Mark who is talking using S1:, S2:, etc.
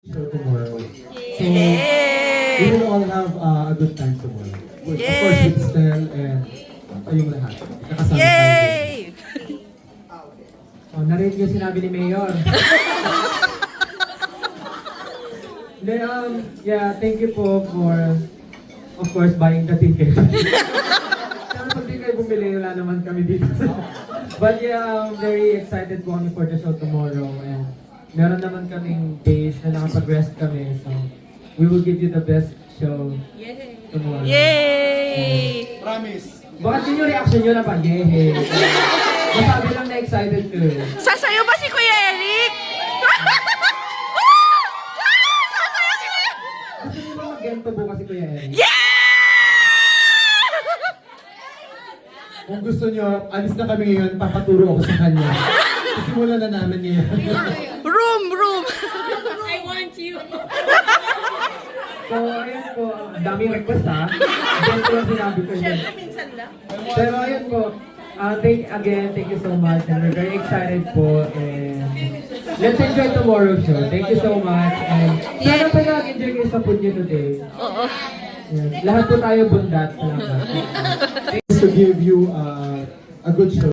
S1: show tomorrow. So,
S2: Yay!
S1: we will all have a good time tomorrow. Of course, with Stel and kayong lahat. Nakasama tayo.
S2: Yay!
S3: Oh, narinig yung sinabi ni Mayor. Then, yeah, thank you po for, of course, buying the ticket. Pero pag di kayo bumili, wala naman kami dito. But yeah, I'm very excited po kami for the show tomorrow. And meron naman kaming days na nakapag-rest kami. So, we will give you the best show tomorrow.
S2: Yay!
S1: Promise.
S3: Bakit yun yung reaction nyo na pa? Yehey! Masabi lang na excited ko eh.
S2: Sasayo ba si Kuya Eric? Sasayo si Kuya!
S3: Gusto niyo ba mag-gento bukas si Kuya Eric?
S2: Yeah!
S1: Kung gusto nyo, alis na kami ngayon, papaturo ako sa kanya. Simulan na namin ngayon.
S2: Room!
S4: I want you.
S3: So, ayun po, ang daming request ha. Gento lang sinabi ko yun.
S4: Minsan lang.
S3: Pero ayun po, thank you so much. And we're very excited po. And let's enjoy tomorrow's show. Thank you so much. And sana pa nag-enjoy kayo sa food nyo today.
S2: Oo.
S3: Yan. Lahat po tayo bundat. Salamat.
S1: To give you a good show.